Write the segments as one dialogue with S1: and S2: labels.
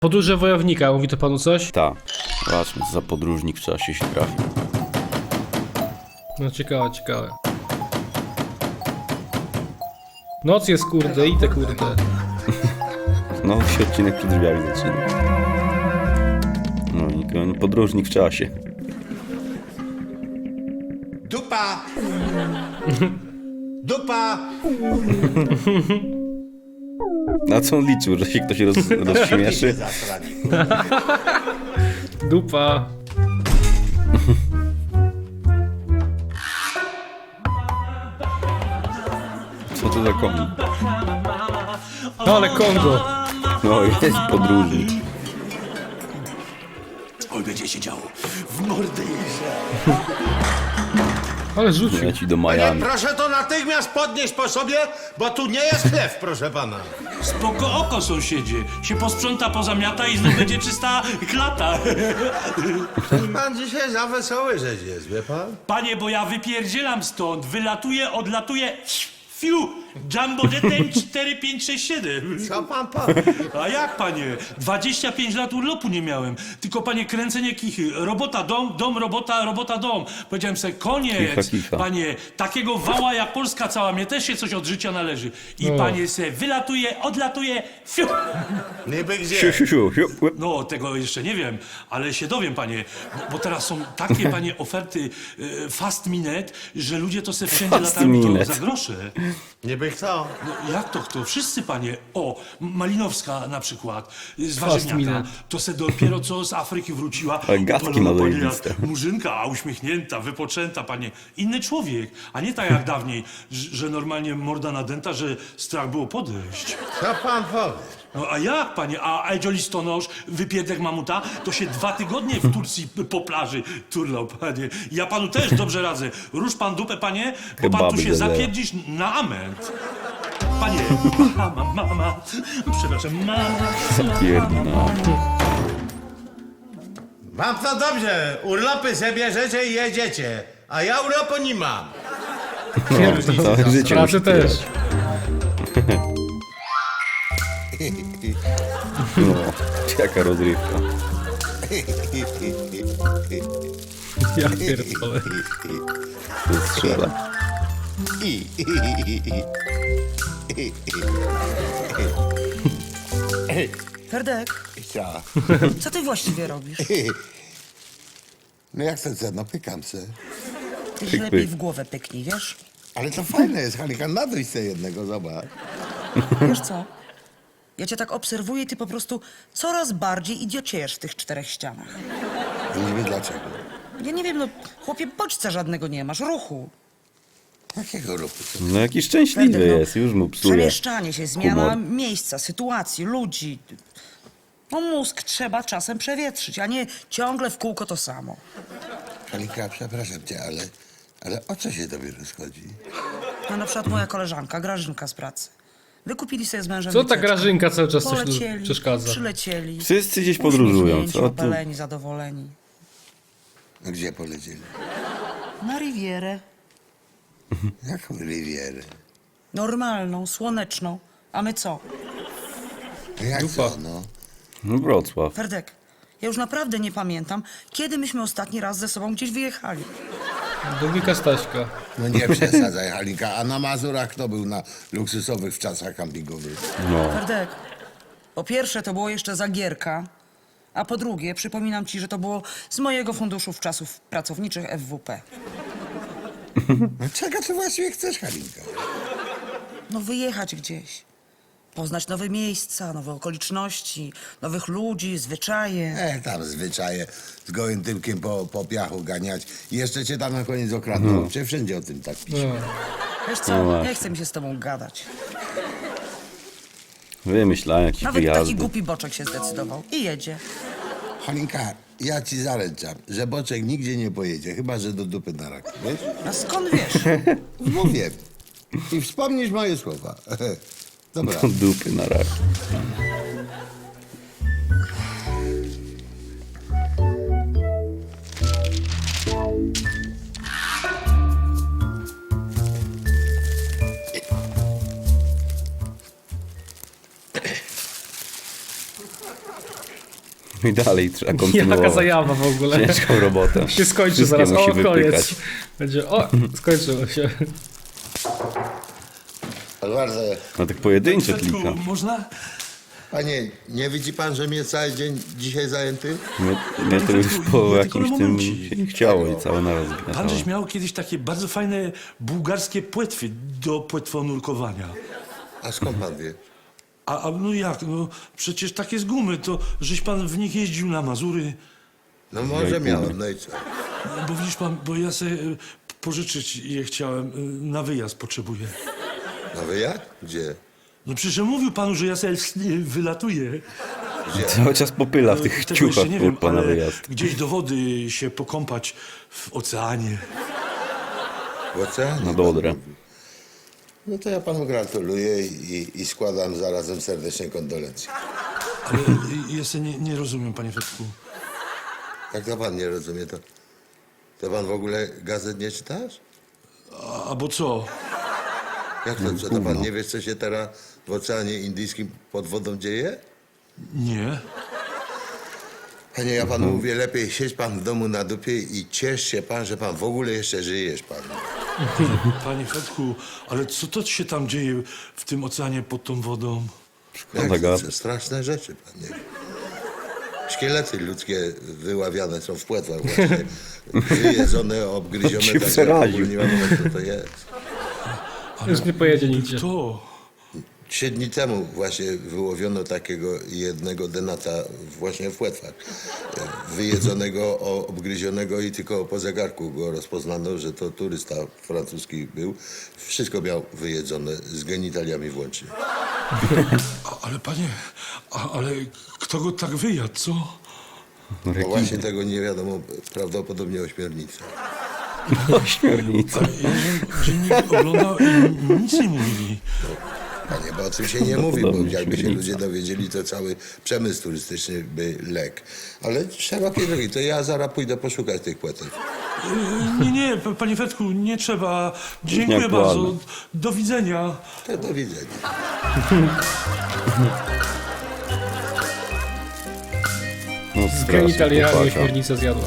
S1: Podróże wojownika, mówi to panu coś?
S2: Tak. Zobaczmy, co za podróżnik w czasie się trafi.
S1: No ciekawe, ciekawe. Noc jest kurde, i te kurde.
S2: No, się odcinek przed drzwiami zaczyna. No, podróżnik w czasie.
S3: Dupa! Dupa!
S2: Na co on liczył, że się ktoś rozśmieszy?
S1: Dupa.
S2: Co to za koń?
S1: No ale Kongo.
S2: No, jest podróżnik.
S3: Oj, będzie się działo. W mordę jeżdżę.
S1: Ale rzucił.
S2: Leci do
S3: Panie,
S2: Miami.
S3: proszę to natychmiast podnieść po sobie, bo tu nie jest chleb, proszę pana.
S4: Spoko oko, sąsiedzie. Się posprząta, pozamiata i znów będzie czysta klata.
S3: Pan dzisiaj za wesoły rzecz jest, wie pan?
S4: Panie, bo ja wypierdzielam stąd. Wylatuję, odlatuję. Fiu! Jumbo Jeten 4567.
S3: Co pan powie?
S4: A jak, panie? 25 lat urlopu nie miałem. Tylko, panie, kręcenie kichy. Robota, dom, robota, robota, dom. Powiedziałem sobie, koniec.
S2: Kicha.
S4: Panie, takiego wała jak Polska cała, mnie też się coś od życia należy. I panie se wylatuje, odlatuje. Fiu!
S3: Niby
S2: Siu,
S3: gdzie?
S2: siu, siu, siu. Łeb.
S4: No, tego jeszcze nie wiem, ale się dowiem, panie. Bo teraz są takie, panie, oferty fast minute, że ludzie to se wszędzie
S2: Fast
S4: latają to
S2: minute.
S4: za grosze.
S3: Niby kto?
S4: No, jak to kto? Wszyscy, panie. O, Malinowska na przykład, z
S1: Fast
S4: Warzywniaka.
S1: minute.
S4: To se dopiero co z Afryki wróciła.
S2: Ale gadki
S4: Opalona,
S2: ma
S4: panie,
S2: zajebiste.
S4: jak murzynka, uśmiechnięta, wypoczęta, panie. Inny człowiek, a nie tak jak dawniej, że normalnie morda nadęta, że strach było podejść.
S3: Co pan powie?
S4: No a jak, panie? A Edzio Listonosz, wypierdek mamuta, to się 2 tygodnie w Turcji po plaży turlał, panie. Ja panu też dobrze radzę. Rusz pan dupę, panie, bo pan tu
S2: Kebaby
S4: się
S2: zadają.
S4: zapierdzisz na ament. Panie, mama, przepraszam, mama.
S2: Pierdna.
S3: Mam to dobrze. Urlopy sobie bierzecie i jedziecie. A ja urlopu nie mam.
S2: Całe życie
S1: Pracy
S2: musi
S1: też.
S2: tyle. No, jaka rozrywka.
S1: Ja pierdolę.
S2: To strzela.
S5: Ferdek,
S6: Ja.
S5: co ty właściwie robisz?
S6: No jak chcę, no pykam se.
S5: Ty się
S2: Pyk,
S5: lepiej
S2: pyk.
S5: w głowę pyknij, wiesz?
S6: Ale to fajne jest, Halika, nadryć se jednego, zobacz.
S5: Wiesz co? Ja cię tak obserwuję i ty po prostu coraz bardziej idiociejesz w tych 4 ścianach.
S6: Ja nie wiem dlaczego.
S5: Ja nie wiem, no chłopie, bodźca żadnego nie masz, ruchu.
S6: Jakiego ruchu?
S2: No jaki szczęśliwy
S5: Ferdek, no,
S2: jest, już mu psuje.
S5: Przemieszczanie się, zmiana
S2: humor.
S5: miejsca, sytuacji, ludzi. No mózg trzeba czasem przewietrzyć, a nie ciągle w kółko to samo.
S6: Halika, przepraszam cię, ale o co się tobie rozchodzi?
S5: No na przykład moja koleżanka, Grażynka z pracy. Wykupili sobie z mężem
S1: Co ta
S5: wycieczkę.
S1: Grażynka cały czas coś tu
S5: Polecieli,
S1: przeszkadza?
S5: przylecieli.
S2: Wszyscy gdzieś podróżują,
S5: uśmiechnięci,
S2: co tu?
S5: opaleni, zadowoleni.
S6: No gdzie polecieli?
S5: Na Rivierę.
S6: Jaką Rivierę?
S5: Normalną, słoneczną. A my co?
S6: No jak co, no?
S2: No Wrocław.
S5: Ferdek, ja już naprawdę nie pamiętam, kiedy myśmy ostatni raz ze sobą gdzieś wyjechali.
S1: Do wujka Staśka.
S6: No nie przesadzaj, Halika. A na Mazurach kto był na luksusowych w czasach kampingowych?
S2: No.
S5: Ferdek, po pierwsze to było jeszcze Zagierka, a po drugie przypominam ci, że to było z mojego funduszu w czasów pracowniczych FWP.
S6: No czego ty właściwie chcesz, Halinka?
S5: No wyjechać gdzieś. Poznać nowe miejsca, nowe okoliczności, nowych ludzi, zwyczaje.
S6: Tam zwyczaje z gołym tyłkiem po piachu ganiać. I jeszcze cię tam na koniec okradną. Czy wszędzie o tym tak pisze?
S1: No.
S5: Wiesz
S2: No
S5: co,
S2: właśnie.
S5: nie chce mi się z tobą gadać.
S2: Wymyślałem jakieś
S5: Nawet taki
S2: wyjazdy.
S5: głupi boczek się zdecydował i jedzie.
S6: Halinka, ja ci zaręczam, że Boczek nigdzie nie pojedzie, chyba że do dupy na rak, wiesz?
S5: A skąd wiesz?
S6: Mówię. I wspomnisz moje słowa. Dobra.
S2: Dupy na rak. I dalej trzeba kontynuować.
S1: Jaka zajawa w ogóle.
S2: Ciężką robotę.
S1: Się skończy
S2: Wszystkie
S1: zaraz.
S2: musi
S1: O, koniec.
S2: wypykać.
S1: Będzie, o, skończyło się.
S6: Bardzo.
S2: No tak pojedyncze
S4: Fredku,
S2: klika.
S4: można?
S6: Panie, nie widzi pan, że mnie cały dzień dzisiaj zajęty?
S2: Mnie to już po
S4: Ja tylko
S2: jakimś
S4: na
S2: tym
S4: momencik.
S2: się nie chciało i całe naraz
S4: Pan
S2: zgniatało.
S4: żeś miał kiedyś takie bardzo fajne bułgarskie płetwy do płetwonurkowania.
S6: A skąd pan wie?
S4: A no jak, no przecież takie z gumy, to żeś pan w nich jeździł na Mazury.
S6: No może miałem, no i co?
S4: Bo widzisz pan, bo ja sobie pożyczyć je chciałem, na wyjazd potrzebuję.
S6: No wy jak? Gdzie?
S4: No przecież mówił panu, że ja sobie wylatuję.
S2: Cały czas popyla w tych
S4: Tego
S2: ciuchach
S4: jeszcze nie wiem,
S2: pana
S4: ale
S2: wyjazd.
S4: gdzieś do wody się pokąpać w oceanie.
S6: W oceanie?
S2: Na Dodrę.
S6: No to ja panu gratuluję i składam zarazem serdeczne kondolencje.
S4: Ale ja sobie nie rozumiem, panie Fredku.
S6: Jak to pan nie rozumie, to pan w ogóle gazet nie czytasz?
S4: A bo co?
S6: Jak to, co, to pan nie wie, co się teraz w Oceanie Indyjskim pod wodą dzieje?
S4: Nie.
S6: Panie, ja panu mówię, lepiej siedź pan w domu na dupie i ciesz się pan, że pan w ogóle jeszcze żyjesz, pan.
S4: Panie Fredku, ale co to się tam dzieje w tym oceanie pod tą wodą?
S2: Szkoda
S6: Jak,
S2: gadać.
S6: to straszne rzeczy, panie. Szkielety ludzkie wyławiane są w płetwach właśnie. Wyjedzone, obgryzione.
S2: się
S6: tak, że
S2: przeraził.
S6: w ogóle nie wiadomo, co to jest.
S1: Już nie pojedzie nigdzie.
S4: To.
S6: 3 dni temu właśnie wyłowiono takiego jednego denata właśnie w płetwach. Wyjedzonego, obgryzionego i tylko po zegarku go rozpoznano, że to turysta francuski był. Wszystko miał wyjedzone, z genitaliami włącznie.
S4: Ale panie, ale kto go tak wyjadł, co?
S6: Bo właśnie tego nie wiadomo, prawdopodobnie ośmiornica.
S2: Ośmiornica.
S4: Ja żem dziennik oglądał i nic nie mówili.
S6: Panie, bo o tym się nie mówi, bo
S2: Podobnie
S6: jakby się
S2: śmielnica.
S6: ludzie dowiedzieli, to cały przemysł turystyczny by legł. Ale szerokie drogi, to ja zaraz pójdę poszukać tych płetek.
S4: Nie, panie Fredku, nie trzeba. Dziękuję
S2: Nieaktualne.
S4: bardzo. Do widzenia.
S6: To do widzenia.
S2: No
S1: Z
S2: strasznie
S1: genitaliami
S2: chłopaka.
S1: ośmiornicę zjadła.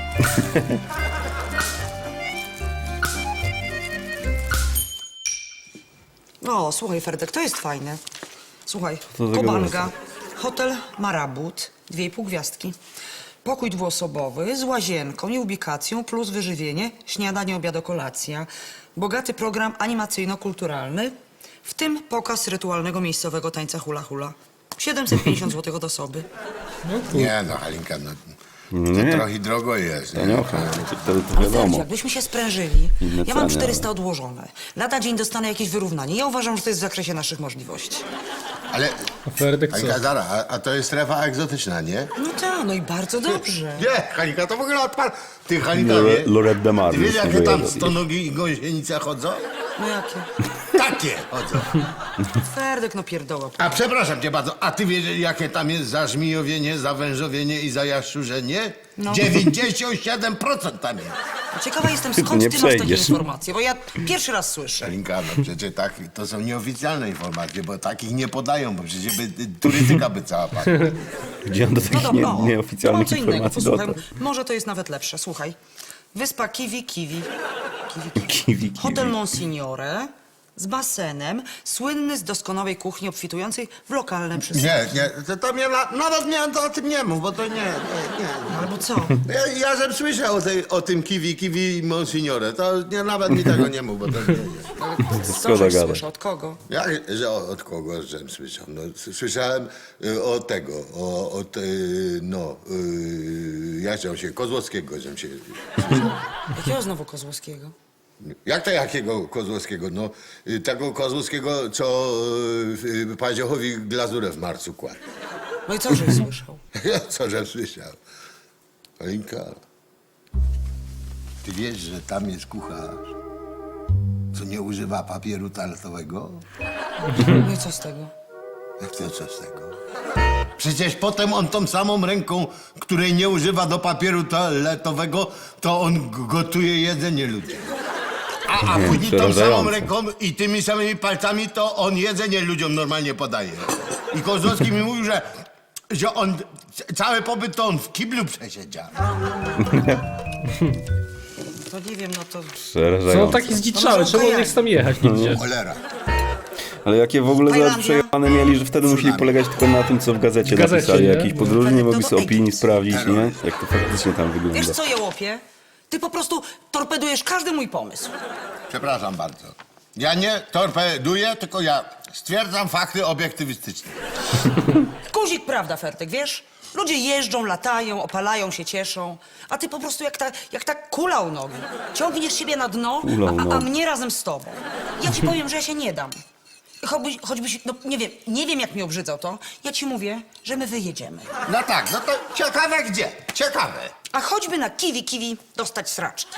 S5: O, słuchaj, Ferdek, to jest fajne. Słuchaj,
S2: Co za
S5: Kobanga, hotel Marabut, 2,5 gwiazdki. Pokój dwuosobowy z łazienką i ubikacją plus wyżywienie, śniadanie, obiad, kolacja. Bogaty program animacyjno-kulturalny, w tym pokaz rytualnego miejscowego tańca hula hula. 750 zł od osoby.
S6: Nie no, Halinka, no,
S2: Nie.
S6: to trochę drogo jest. Nie?
S2: Taniocha. To
S5: Ale Ferdzi,
S2: wiadomo.
S5: jakbyśmy się sprężyli,
S2: Inne
S5: ja mam
S2: ceny,
S5: 400 odłożone. Lada dzień dostanę jakieś wyrównanie. Ja uważam, że to jest w zakresie naszych możliwości.
S6: Ale,
S1: A Ferdek co?
S6: Halinka, zara, a to jest strefa egzotyczna, nie?
S5: No tak, no i bardzo dobrze.
S6: Nie, Halinka, to w ogóle odpal. Ty, Halinka,
S2: Lorette de Mar.
S6: ty wiesz,
S2: jest
S6: jakie tam
S2: wyjazd.
S6: stonogi i gąsienice chodzą?
S5: No jakie?
S6: Takie chodzą.
S5: Ferdek, no pierdoła.
S6: A przepraszam cię bardzo, a ty wiesz, jakie tam jest zażmijowienie, zawężowienie i zajaszczurzenie?
S5: No.
S6: 97% tam jest.
S5: Ciekawa jestem,
S2: Ty
S5: skąd
S2: nie
S5: ty masz takie
S2: przejdziesz.
S5: informacje, bo ja pierwszy raz słyszę.
S6: Halinka, no przecież tak, to są nieoficjalne informacje, bo takich nie podają, bo przecież by, turystyka by cała padła.
S2: Gdzie on do
S5: No
S2: takich
S5: dobra, o, to
S2: nieoficjalnych
S5: mam co innego,
S2: informacji
S5: posłuchaj.
S2: dotarł?
S5: Może to jest nawet lepsze, słuchaj. Wyspa Kiwi.
S2: Kiwi.
S5: Hotel Monsignore z basenem, słynny z doskonałej kuchni obfitującej w lokalne przysłagi.
S6: Nie, to mnie nawet miałem to o tym nie mów, bo to nie.
S5: Albo co?
S6: Ja żem słyszał o tym kiwi Monsignore, to nie, nawet mi tego nie mów, bo to nie.
S5: Co
S2: Szkoda
S5: żeś
S2: gadać.
S5: słyszał, od kogo?
S6: Jak, że od kogo żem słyszał? No, słyszałem od tego, jak się, Kozłowskiego żem się słyszał.
S5: Jakiego znowu Kozłowskiego?
S6: Jak to jakiego Kozłowskiego? No, tego Kozłowskiego, co Paziochowi glazurę w marcu kładł.
S5: No i co żeś słyszał?
S6: Co żem słyszał? Alinka, ty wiesz, że tam jest kucharz, co nie używa papieru toaletowego?
S5: No i co z tego?
S6: Jak to co z tego? Przecież potem on tą samą ręką, której nie używa do papieru toaletowego, to on gotuje jedzenie ludziom. A później tą samą
S2: Przerażające.
S6: ręką i tymi samymi palcami to on jedzenie ludziom normalnie podaje. I Kozłowski mi mówił, że
S3: Że on cały pobyt to on w kiblu przesiedział.
S5: To nie wiem, no to...
S1: Co on
S2: Przerażające.
S1: taki zdziczały? Czemu on nie chce tam jechać nigdzie?
S3: Cholera.
S2: Ale jakie w ogóle zaraz
S5: Tajlandia?
S2: przejechane mieli, że wtedy musieli polegać tylko na tym, co w gazecie
S1: W gazecie,
S2: napisali.
S1: nie?
S2: Jakiś podróżni nie mogli sobie opinii
S5: Egiptu.
S2: sprawdzić, nie? Jak to faktycznie tam wygląda.
S5: Wiesz co, Jełopie? Ty po prostu torpedujesz każdy mój pomysł.
S3: Przepraszam bardzo. Ja nie torpeduję, tylko ja stwierdzam fakty obiektywistyczne.
S5: Guzik, prawda, Fertek, wiesz? Ludzie jeżdżą, latają, opalają się, cieszą. A ty po prostu jak ta kula u nogi. Ciągniesz siebie na dno,
S2: Kula u
S5: a
S2: nogi.
S5: mnie razem z tobą. Ja ci powiem, że ja się nie dam. Choćbyś, no nie wiem jak mi obrzydzał to, ja ci mówię, że my wyjedziemy.
S3: No tak, no to ciekawe gdzie? Ciekawe.
S5: A choćby na kiwi dostać sraczki.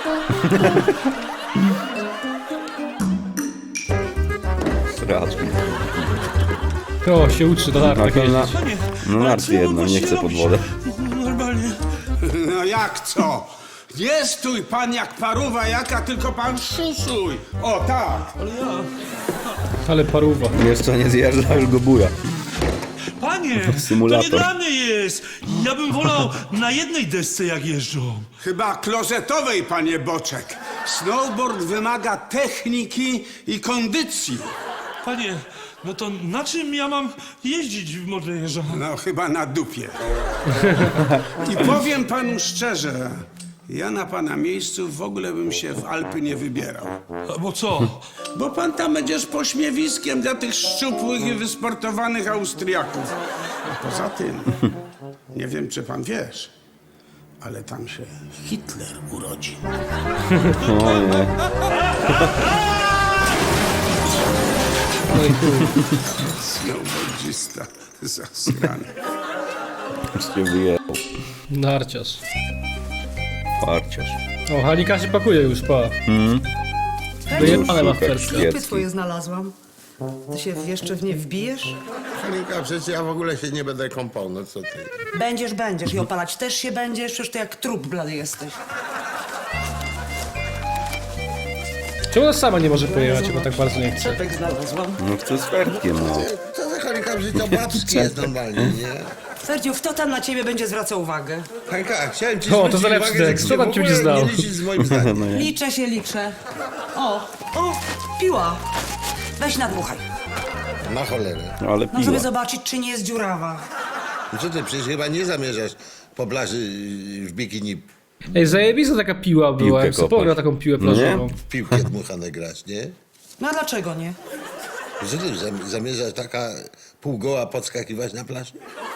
S2: Raczej.
S1: O, się uczy do nartach
S2: Na, na,
S1: jeździć.
S4: Panie,
S2: no
S4: ale
S2: narty
S4: co ja mam
S2: jedno, nie
S4: właściwie
S2: chcę pod
S4: robić?
S2: wodę.
S4: Normalnie.
S7: No jak co? Nie stój pan jak paruwa jaka, tylko pan szuszuj. O tak.
S1: Ale paruwa.
S2: Jeszcze nie zjeżdża, już go buja.
S4: Panie,
S2: Symulator.
S4: to nie dla mnie jest. Ja bym wolał na jednej desce jak jeżdżą.
S7: Chyba klozetowej, panie Boczek. Snowboard wymaga techniki i kondycji.
S4: Panie, no to na czym ja mam jeździć w Modlejrza?
S7: No chyba na dupie. I powiem panu szczerze, ja na pana miejscu w ogóle bym się w Alpy nie wybierał.
S4: Bo co?
S7: Bo pan tam będziesz pośmiewiskiem dla tych szczupłych i wysportowanych Austriaków. A poza tym, nie wiem czy pan wiesz, ale tam się Hitler urodzi.
S2: O nie.
S1: No i chuj.
S7: Snowboardzista zasrany.
S2: Już się wyjechał.
S1: Narciarz.
S2: Parciarz.
S1: O, Hanika się pakuje już, pa. Wyjebane ma w
S2: Szukać
S1: perska.
S5: Stopy
S2: świecki.
S5: twoje znalazłam. Ty się jeszcze w nie wbijesz?
S6: Halinka, przecież ja w ogóle się nie będę kąpał, no co ty?
S5: Będziesz i opalać też się będziesz, przecież ty jak trup blady jesteś.
S1: Czemu ona sama nie może pojechać, bo tak bardzo nie chce?
S5: Czepek znalazłam.
S2: No chcę z Fertkiem, no.
S6: Co za Halinka, że to babski jest normalnie, nie?
S5: Ferdziu, kto tam na ciebie będzie zwracał uwagę?
S6: Halinka, chciałem ci
S1: O, to
S6: zwrócić
S1: zalepszy
S6: uwagę, że
S1: tekst.
S6: ty
S1: Co
S6: się
S1: tam
S6: w
S1: cię
S6: ogóle
S1: znał?
S6: nie liczysz z moim zdaniem.
S5: Liczę. O, piła. Weź nadmuchaj.
S6: Na cholerę.
S2: Ale
S5: No żeby
S2: piła.
S5: zobaczyć, czy nie jest dziurawa.
S6: No co ty, przecież chyba nie zamierzasz po plaży w bikini
S1: Ej, zajebista taka piła była,
S2: Piłkę
S1: jak sobie
S2: kopać.
S1: pograł taką piłę
S2: No nie?
S1: plażową.
S6: w piłkę dmuchane grać, nie?
S5: No a dlaczego nie?
S6: Że ty zamierzasz taka półgoła podskakiwać na plaży?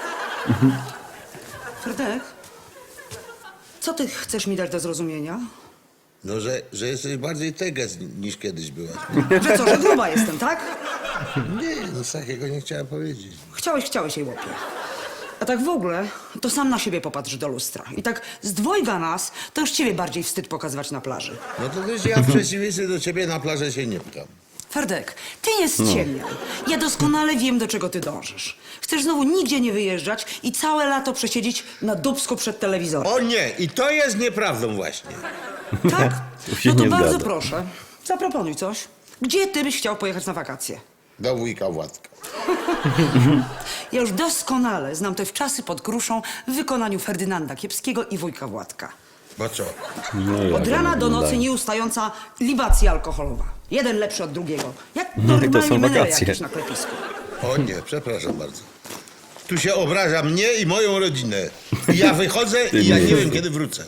S5: Fredek, co ty chcesz mi dać do zrozumienia?
S6: No, że jesteś bardziej teges niż kiedyś byłaś.
S5: Że co, że gruba jestem, tak?
S6: Nie, nic takiego nie chciałem powiedzieć.
S5: Chciałeś jej łopie. A tak w ogóle, to sam na siebie popatrz do lustra. I tak z dwojga nas, to już ciebie bardziej wstyd pokazywać na plaży.
S6: No to też ja w przeciwieństwie do ciebie na plażę się nie pcham.
S5: Ferdek, ty nie ściemniaj. Ja doskonale wiem, do czego ty dążysz. Chcesz znowu nigdzie nie wyjeżdżać i całe lato przesiedzieć na dubsku przed telewizorem.
S6: O nie, i to jest nieprawdą właśnie.
S5: Tak?
S2: Tu się
S5: No to
S2: nie
S5: bardzo
S2: zgadza.
S5: proszę, zaproponuj coś. Gdzie ty byś chciał pojechać na wakacje?
S6: Do wujka Władka.
S5: Ja już doskonale znam te wczasy pod gruszą w wykonaniu Ferdynanda Kiepskiego i wujka Władka.
S6: Bo co?
S2: No jak
S5: Od rana
S2: one
S5: do nocy
S2: wyglądają.
S5: nieustająca libacja alkoholowa. Jeden lepszy od drugiego. Jak
S2: to
S5: normalnie
S2: są
S5: menele
S2: wakacje.
S5: jakieś na klepisku.
S6: O nie, przepraszam bardzo. Tu się obraża mnie i moją rodzinę. I ja wychodzę i ja nie wiem, kiedy wrócę.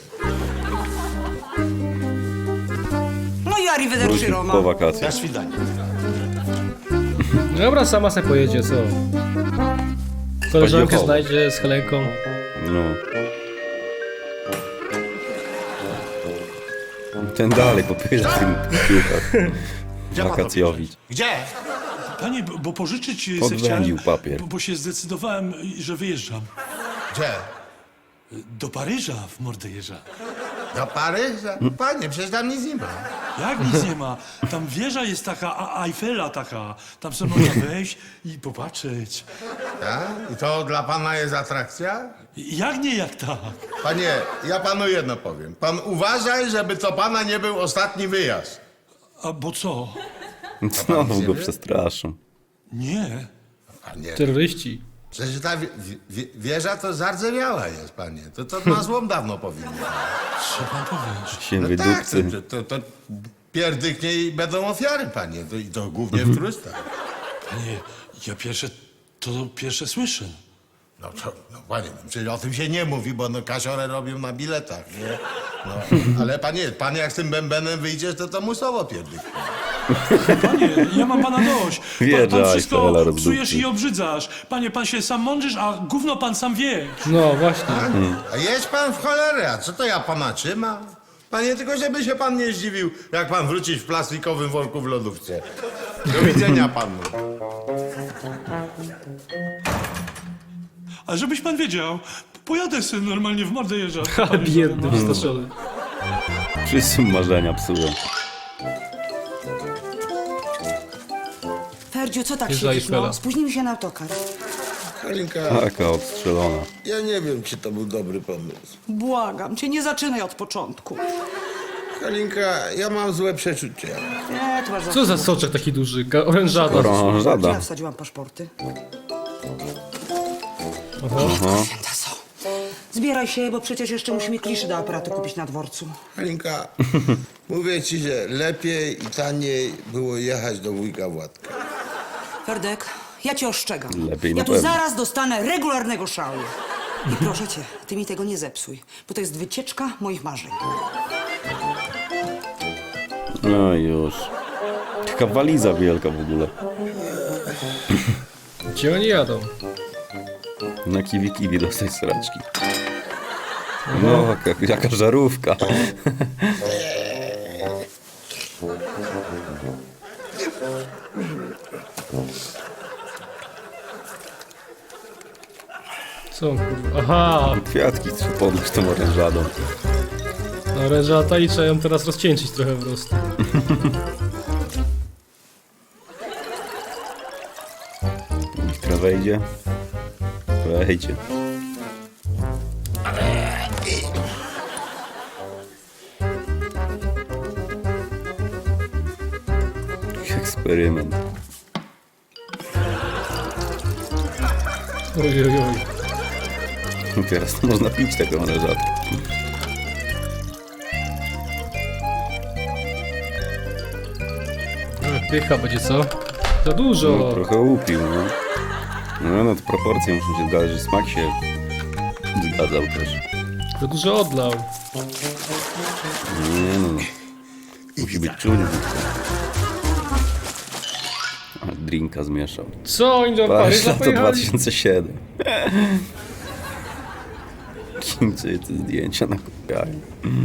S5: No i arrivederci
S2: Wrócił
S5: Roma.
S2: po wakacjach.
S3: Na świdanie.
S1: Dobra, sama se pojedzie, co? Koleżankę
S2: Chodzi o
S1: znajdzie z Helenką.
S2: No. Ten dalej popyla w tym piłkach. Wakacjowić.
S3: Gdzie?
S4: Panie, bo pożyczyć se
S2: Podwędził
S4: chciałem,
S2: papier.
S4: bo się zdecydowałem, że wyjeżdżam.
S3: Gdzie?
S4: Do Paryża w Mordejrza.
S3: Do Paryża? Panie, przecież tam nic nie ma.
S4: Jak nic nie ma. Tam wieża jest taka, Eiffela taka. Tam sobie można wejść i popatrzeć.
S3: Tak? I to dla pana jest atrakcja?
S4: Jak nie, jak tak.
S3: Panie, ja panu jedno powiem. Pan uważaj, żeby to pana nie był ostatni wyjazd.
S4: A bo co?
S2: Znowu go przestraszą.
S4: Nie.
S3: Panie,
S1: Terroryści.
S3: Przecież ta wieża to zardzewiała jest, panie. To na złom dawno powinno.
S4: Co pan powiesz?
S2: Się
S3: Tak,
S2: wydupcy.
S3: to pierdyknie i będą ofiary, panie. I to głównie w turystach.
S4: Panie, ja pierwsze słyszę.
S3: No panie, no przecież o tym się nie mówi, bo no kasiorę robią na biletach, nie? No, ale panie, pan jak z tym bębenem wyjdziesz, to musowo pierdyknie.
S4: Panie, ja mam pana dość.
S2: Wiedza,
S4: Pan wszystko
S2: Eiffela
S4: psujesz
S2: rozdupcy.
S4: i obrzydzasz. Panie, pan się sam mądrzysz, a gówno pan sam wie.
S1: No właśnie.
S3: A jedź pan w cholerę, a co to ja pana trzymam? Panie, tylko żeby się pan nie zdziwił, jak pan wrócić w plastikowym worku w lodówce. Do widzenia panu.
S4: A żebyś pan wiedział, pojadę sobie normalnie w mordę jeżdża.
S1: Ha, biedny, wystraszony.
S2: Wszyscy marzenia psują.
S5: Ferdziu, co tak
S1: Jest
S5: siedzisz,
S1: Eiffela.
S5: no? Spóźnimy się na autokar.
S6: Halinka,
S2: Taka obstrzelona.
S6: ja nie wiem, czy to był dobry pomysł.
S5: Błagam cię, nie zaczynaj od początku.
S6: Halinka, ja mam złe przeczucia.
S5: Nie, to masz
S1: Co za soczek taki duży? Orężada.
S2: Orężada.
S5: Ja wsadziłam paszporty.
S1: Oho.
S5: Święta są. Zbieraj się, bo przecież jeszcze musimy kliszy do aparatu kupić na dworcu.
S6: Halinka, mówię ci, że lepiej i taniej było jechać do wujka Władka.
S5: Ferdek, ja cię ostrzegam.
S2: Lepiej na
S5: ja tu
S2: pewno.
S5: zaraz dostanę regularnego szału. I proszę cię, ty mi tego nie zepsuj, bo to jest wycieczka moich marzeń.
S2: No już. Taka waliza wielka w ogóle.
S1: Gdzie oni jadą?
S2: Na kiwi dostać sraczki. No, jaka żarówka.
S1: Co on, kurwa? Aha!
S2: Kwiatki trzeba podnieść tą orężadą.
S1: No orężata i trzeba ją teraz rozcieńczyć trochę po prostu.
S2: Która wejdzie? Wejdzie. Eksperyment.
S1: Oj, oj, oj.
S2: Teraz to można pić taką orężatę.
S1: Pycha będzie, co? Za dużo!
S2: No, trochę upił, no. No to proporcje muszą się zgadzać, że smak się zgadzał też.
S1: Za dużo odlał.
S2: Nie no. Musi być czujny. A drinka zmieszał.
S1: Co oni do
S2: Patrz,
S1: Paryża
S2: to
S1: pojechali?
S2: 2007. Chińczycy te zdjęcia nakupiają.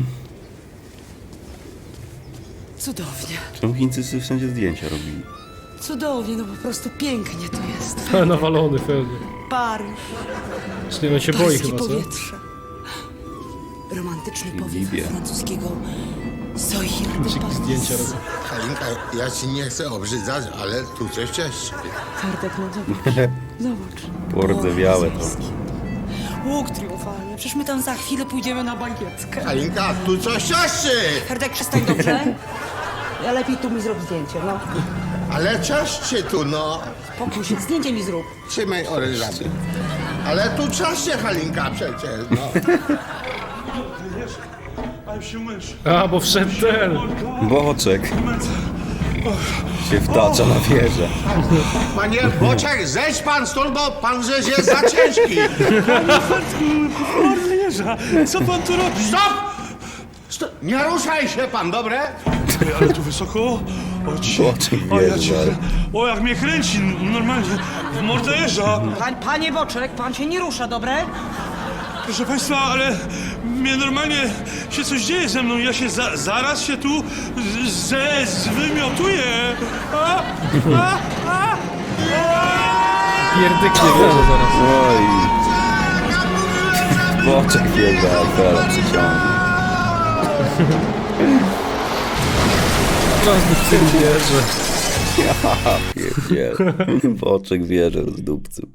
S5: Cudownie.
S2: Czemu Chińczycy wszędzie zdjęcia robili?
S5: Cudownie, no po prostu pięknie tu jest.
S1: Nawalony pewnie.
S5: Paryż,
S1: Czyli on się boi
S5: paryskie
S1: chyba, co?
S5: powietrze. Romantyczny powiew
S2: Libia.
S5: francuskiego Soir de
S1: Ci
S5: Paris.
S1: zdjęcia robią.
S3: Halinka, ja ci nie chcę obrzydzać, ale tu coś cieszy.
S5: Ferdek, no zobacz. Zobacz.
S2: Pordzewiałe to.
S5: Łuk triumfalny. Przecież my tam za chwilę pójdziemy na bankietkę.
S3: Halinka, tu coś cieszy!
S5: Ferdek, przestań, dobrze? Ja lepiej tu mi zrób zdjęcie, no.
S3: Ale cieszcie tu, no!
S5: Pokój się, zdjęcie mi zrób.
S3: Trzymaj orężaty. Ale tu cieszcie, Halinka, przecież, no.
S4: Ale się mysz.
S1: A, bo wszedł ten!
S2: Boczek się wtacza na wieżę.
S3: Panie Boczek, zejdź pan stąd, bo pan żeś jest za ciężki.
S4: Mordę jeża, co pan tu robi?
S3: Stop! Stop! Nie ruszaj się pan, dobre?
S4: Ej, ale tu wysoko. O, ci.
S2: Boczek
S4: O, ja
S2: wjeżdża.
S4: cię. O, jak mnie kręci, normalnie. W mordę jeża.
S5: Panie Boczek, pan się nie rusza, dobre?
S4: Proszę państwa, ale mnie normalnie się coś dzieje ze mną. Ja się zaraz się tu zwymiotuję.
S1: Pierdyknie wierzę zaraz.
S2: Oj. Boczek wjeżdża, Eiffela przyciągnie.
S1: Rozdupcy wierzę.
S2: Ja pierdzielę. Boczek wjeżdża z dupcem.